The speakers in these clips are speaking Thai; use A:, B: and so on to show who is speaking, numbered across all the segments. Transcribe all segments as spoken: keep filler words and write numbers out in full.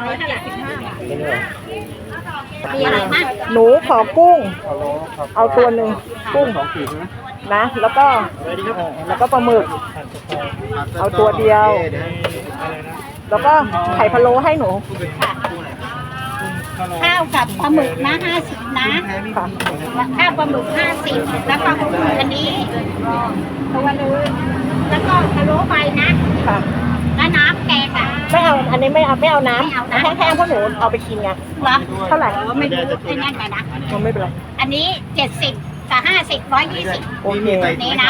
A: ร้อยเจ็ดสิบห้าบาทมี
B: มี
A: อะไรบ้าง
B: หนูขอกุ้ง เอาตัวหนึ่งกุ้งนะ แล้วก็แล้วก็ปลาหมึก เอาตัวเดียว แล้วก็ไข่พะโล้ให้หนู
A: ข้าวกับปลาหมึกนะห้าสิบนะข้าวปลาหมึกห้าสิบแล้วก็อันนี้ตัวนึงแล้วก็พะโล้ไปนะแล้วน้ำแกงอ่ะ
B: ไม่เอา อันนี้ไม่เอาไม่เอาน้ำ
A: ไม่เอาน้ำ
B: แห้งๆเพราะหนูเอาไปกินไง
A: เหรอ
B: เท่าไหร่
A: ไม่รู้ไอ้นั่นไปนะ
B: มันไม่เป็นไร
A: อันนี้เจ็ดสิบกับห้าสิบร้อยยี่สิบ
B: โอเค
A: นี้นะ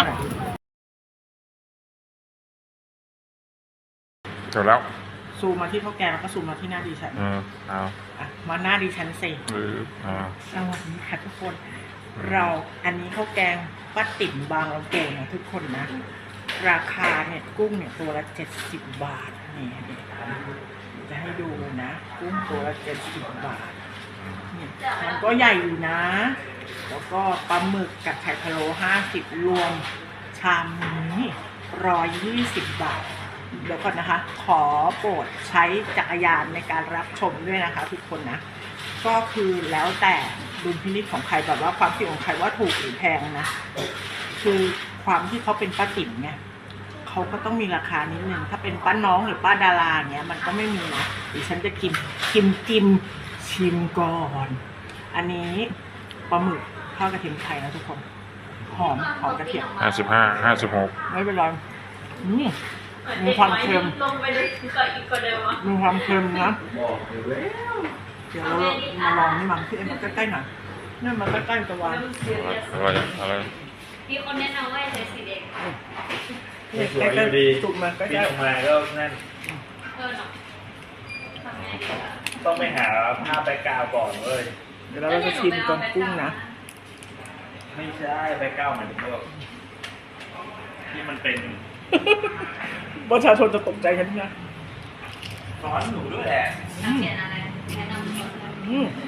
C: จบแล้ว
B: ซูมมาที่ข้าวแกงแล้วก็ซูมมาที่หน้าดิฉัน
C: เออเอา
B: อ่ะมาหน้าดิฉันสิ
C: หรืออ่า
B: สวัสดีค่ะทุกคน เราอันนี้ข้าวแกงป้าติ๋มบางเราเก่งนะทุกคนนะ ราคาเนี่ยกุ้งเนี่ยตัวละเจ็ดสิบบาทนี่จะให้ดูนะ กุ้งตัวละเจ็ดสิบบาทนี่มันก็ใหญ่อยู่นะ แล้วก็ปลาหมึกกับไข่พะโล้ห้าสิบรวมชามนี้ร้อยยี่สิบบาทเดี๋ยวก่อนนะคะ ขอโปรดใช้จักรยานในการรับชมด้วยนะคะทุกคนนะ ก็คือแล้วแต่ดุลพินิจของใครแบบว่าความคิดของใครว่าถูกหรือแพงนะ คือความที่เขาเป็นป้าติ๋มไงเขาก็ต้องมีราคานิดนึงถ้าเป็นป้าน้องหรือป้าดาราเนี้ยมันก็ไม่มีนะดิฉันจะกินกินกินชิมก่อน อันนี้ปลาหมึกทอดกระเทียมไทยนะทุกคนหอมหอมกระเทียม
C: ห้าสิบห้าห้าสิบหก
B: ไม่เป็นไรอืมมีความเค็มมีความเค็มนะเดี๋ยวเรามาลองนี่มั้งพี่เอ็มมาใกล้ๆหน่อยนี่มาใกล้ๆตะวัน
C: อะไรอะไร
D: มีคนแนะนำว่าใช้สีแดง
B: นี่ใกล้ๆสุกมาใก
E: ปี
B: ล้
E: ออกมาก็นั่น
D: เออเนาะทำไง
E: ต้องไปหาผ้าแบกกราวด์ก่อนเว้ย
B: ๆเดี๋ยวเราจะชิมตอนกุ้งนะ
E: ไม่ใช่แบกกราวด์หมายถึงว่าที่มันเป็น
B: ประชาชนจะตกใจกันนะ
E: สอนหนูด้วยแหละ
D: นักเขียนอะไรแนะนำคน
B: อืม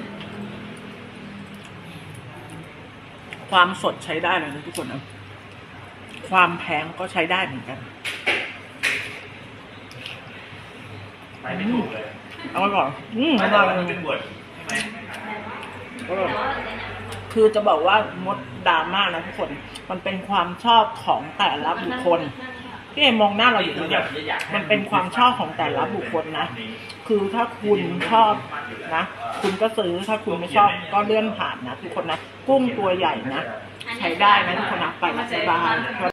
B: ความสดใช้ได้เลยนะทุกคนนะความแพงก็ใช้ได้เหมือนกัน
E: ไปไม่ถูกเลย
B: เอาไว้ก่อนอืม
E: ไม่
B: อ
E: แต่
B: ร่อย
E: ว่ามันเป็นบทใช่ไหม
B: คือจะบอกว่ามดดราม่านะทุกคน มันเป็นความชอบของแต่ละบุคคลพี่เอ็มมองหน้าเราอยู่เนี่ยมันเป็นความชอบของแต่ละบุคคลนะ คือถ้าคุณชอบนะ คุณก็ซื้อ ถ้าคุณไม่ชอบก็เลื่อนผ่านนะทุกคนนะ กุ้งตัวใหญ่นะ ใช้ได้นะทุกคนนะไปสบาย